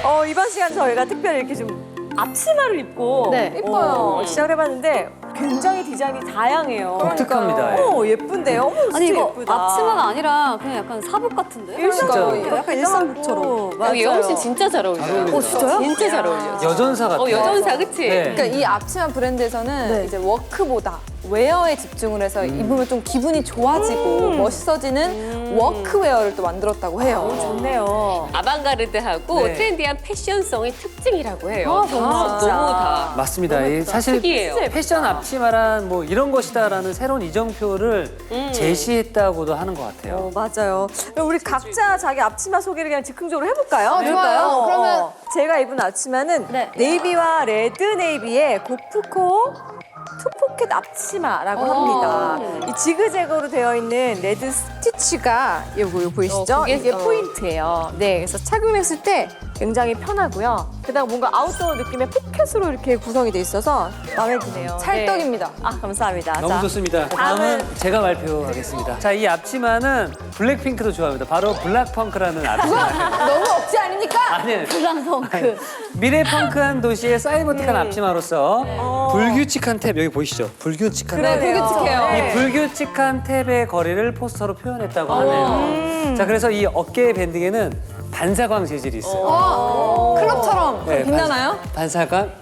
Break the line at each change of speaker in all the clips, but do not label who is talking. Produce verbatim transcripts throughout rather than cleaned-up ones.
어, 이번 시간 저희가 특별히 이렇게 좀 앞치마를 입고
네.
예뻐요. 어, 시작을 해봤는데 굉장히 디자인이 다양해요.
독특합니다. 예.
어, 예쁜데요? 어머, 진짜
아니 이거
예쁘다.
앞치마가 아니라 그냥 약간 사복 같은데?
일상적으로
진짜로.
약간 일상복처럼. 맞아요.
예원 씨 진짜 잘 어울려요.
어울린다.
어, 진짜요?
진짜 잘 어울려.
여전사 같아요.
어, 여전사, 그치?
네.
그러니까 이 앞치마 브랜드에서는
네.
이제 워크보다 웨어에 집중을 해서 입으면 좀 기분이 좋아지고 멋있어지는 워크웨어를 또 만들었다고 해요.
좋네요.
아방가르드하고
네.
트렌디한 패션성이 특징이라고 해요.
아, 정말.
다, 너무 다.
맞습니다. 이 사실
특이해요.
패션 앞치마란 뭐 이런 것이다라는 새로운 이정표를
음.
제시했다고 하는 것 같아요.
어, 맞아요. 그럼 우리 각자 자기 앞치마 소개를 그냥 즉흥적으로 해볼까요?
어, 좋아요.
어,
그러면-
어. 제가 입은 앞치마는
네.
네이비와 레드 네이비의 고프코 투포켓 앞치마라고 합니다. 이 지그재그로 되어 있는 레드 스티치가 요거 요 보이시죠?
어, 그게-
이게
어.
포인트예요. 네, 그래서 착용했을 때 굉장히 편하고요. 게다가 뭔가 아웃도어 느낌의 포켓으로 이렇게 구성이 돼 있어서 마음에 드네요.
찰떡입니다.
네. 아, 감사합니다.
너무
자,
좋습니다.
다음은-
다음은 제가 발표하겠습니다. 자, 이 앞치마는 블랙핑크도 좋아합니다. 바로 블락펑크라는 앞치마예요.
너무 억지 아닙니까?
아니,
블랑펑크.
미래 펑크한 도시의 사이버틱한 앞치마로서 불규칙한 탭 여기 보이시죠? 불규칙한
네,
탭.
불규칙해요.
네.
이 불규칙한 탭의 거리를 포스터로 표현했다고 하네요. 자, 그래서 이 어깨 밴딩에는 반사광 재질이 있어요.
어, 클럽처럼
네,
빛나나요?
반사, 반사광.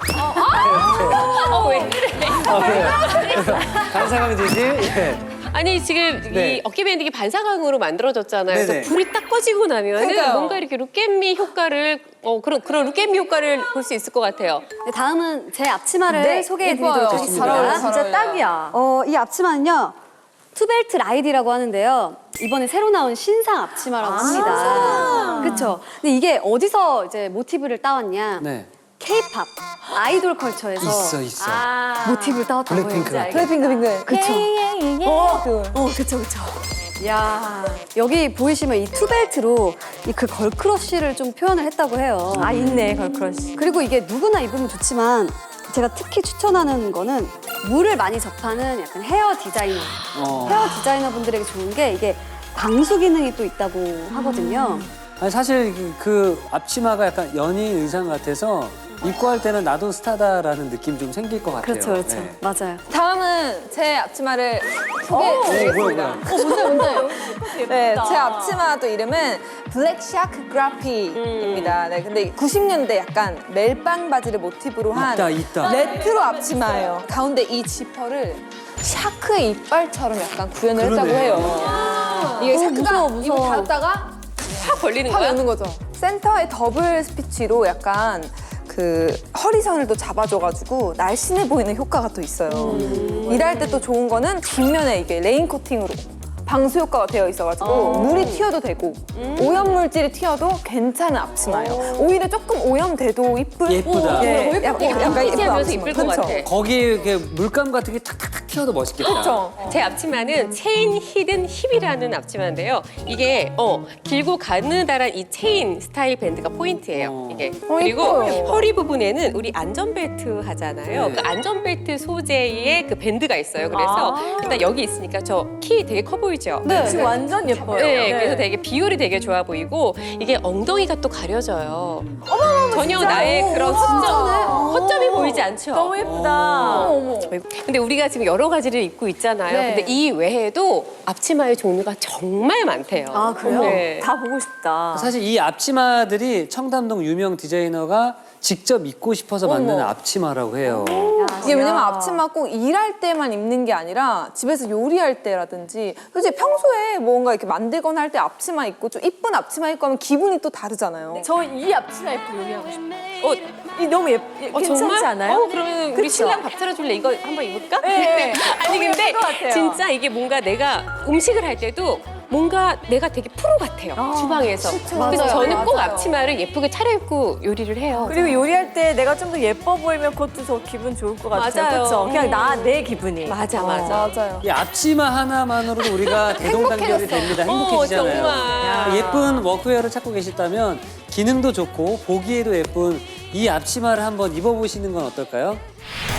어, 왜 그래?
어, 네. 반사광 재질. 예.
아니, 지금
네.
이 어깨 밴딩이 반사광으로 만들어졌잖아요.
네네.
그래서 불이 딱 꺼지고 나면
그러니까요.
뭔가 이렇게 루켓미 효과를, 어, 그런, 그런 루켓미 효과를 볼 수 있을 것 같아요.
네, 다음은 제 앞치마를
네,
소개해드리도록
예뻐요.
하겠습니다.
잘 어울려요.
진짜
어울려요.
딱이야.
어, 이 앞치마는요. 투벨트 라이디라고 하는데요. 이번에 새로 나온 신상 앞치마라고 합니다. 그렇죠. 근데 이게 어디서 이제 모티브를 따왔냐?
네.
K-팝 아이돌 컬처에서
있어, 있어.
아,
모티브를 따왔다고 해요.
블랙핑크 같아.
블랙핑크 핑크.
그쵸.
어, 그.
어, 그쵸, 그쵸. 야 여기 보이시면 이 투벨트로 이 그 걸크러쉬를 좀 표현을 했다고 해요.
아, 있네, 걸크러쉬.
그리고 이게 누구나 입으면 좋지만 제가 특히 추천하는 거는 물을 많이 접하는 약간 헤어 디자이너,
어.
헤어 디자이너 분들에게 좋은 게 이게 방수 기능이 또 있다고 하거든요.
아니, 사실 그- 그 앞치마가 약간 연예인 의상 같아서 입고 할 때는 나도 스타다라는 느낌 좀 생길 것 같아요.
그렇죠, 그렇죠.
네.
맞아요.
다음은 제 앞치마를
오, 뭐야,
소개해드리겠습니다.
뭐야.
네, 제 앞치마 또 이름은 블랙 샤크 그라피입니다. 네, 근데 구십 년대 약간 멜빵 바지를 모티브로 한
있다, 있다.
레트로 앞치마예요. 가운데 이 지퍼를 샤크의 이빨처럼 약간 구현을 했다고
그러네.
해요. 이게 샤크가
무서워, 무서워.
입을 닫았다가
확 벌리는
확
거야?
여는 거죠. 센터에 더블 스피치로 약간 그 허리선을 또 잡아줘가지고 날씬해 보이는 효과가 또 있어요. 일할 때 또 좋은 거는 뒷면에 이게 레인 코팅으로 방수 효과가 되어 있어가지고 물이 튀어도 되고 오염 물질이 튀어도 괜찮은 앞치마예요. 오히려 조금 오염돼도 이쁜.
예쁘다.
예,
예쁘다.
약간, 약간 예쁜
하면서
앞치마.
이쁠 것
그쵸?
같아.
거기에 이렇게 물감 같은 게 탁탁탁 튀어도 멋있겠다.
그렇죠.
제 앞치마는 체인 히든 힙이라는 앞치마인데요. 이게 어 길고 가느다란 이 체인 스타일 밴드가 포인트예요.
어.
이게
어,
그리고
예뻐요.
허리 부분에는 우리 안전벨트 하잖아요.
네.
그 안전벨트 소재의 그 밴드가 있어요. 그래서
아.
일단 여기 있으니까 저 키 되게 커 보이죠?
네, 지금 완전 예뻐요.
네, 그래서 되게 비율이 되게 좋아 보이고 이게 엉덩이가 또 가려져요. 전혀
진짜?
나의
오,
그런
진짜네.
허점, 허점이 보이지 않죠?
너무 예쁘다.
어머.
근데 우리가 지금 여러 가지를 입고 있잖아요.
네.
근데 이 외에도 앞치마의 종류가 정말 많대요.
아, 그래요?
네.
다 보고 싶다.
사실 이 앞치마들이 청담동 유명 디자이너가 직접 입고 싶어서 만든
어머.
앞치마라고 해요.
이게 왜냐면
야.
앞치마 꼭 일할 때만 입는 게 아니라 집에서 요리할 때라든지 솔직히 평소에 뭔가 이렇게 만들거나 할 때 앞치마 입고 좀 이쁜 앞치마 입고 하면 기분이 또 다르잖아요.
저 이 앞치마 입고 요리하고 싶어요.
어,
이 너무 예쁘,
어,
괜찮지
정말?
않아요?
어, 그러면 우리
그쵸?
신랑 밥 차려줄래? 이거 한번 입을까?
네.
아니
너무
근데
예쁠 것 같아요.
진짜 이게 뭔가 내가 음식을 할 때도 뭔가 내가 되게 프로 같아요. 주방에서. 그래서
맞아요.
저는 꼭
맞아요.
앞치마를 예쁘게 차려입고 요리를 해요.
그리고 요리할 때 내가 좀 더 예뻐 보이면 그것도 저 기분 좋을 것 같아요.
맞아요.
그렇죠? 그냥
음.
나, 내 기분이.
맞아,
어.
맞아.
맞아요.
이 앞치마 하나만으로도 우리가 대동단결이 됩니다. 행복해지잖아요.
어, 정말.
예쁜 워크웨어를 찾고 계시다면 기능도 좋고 보기에도 예쁜 이 앞치마를 한번 입어보시는 건 어떨까요?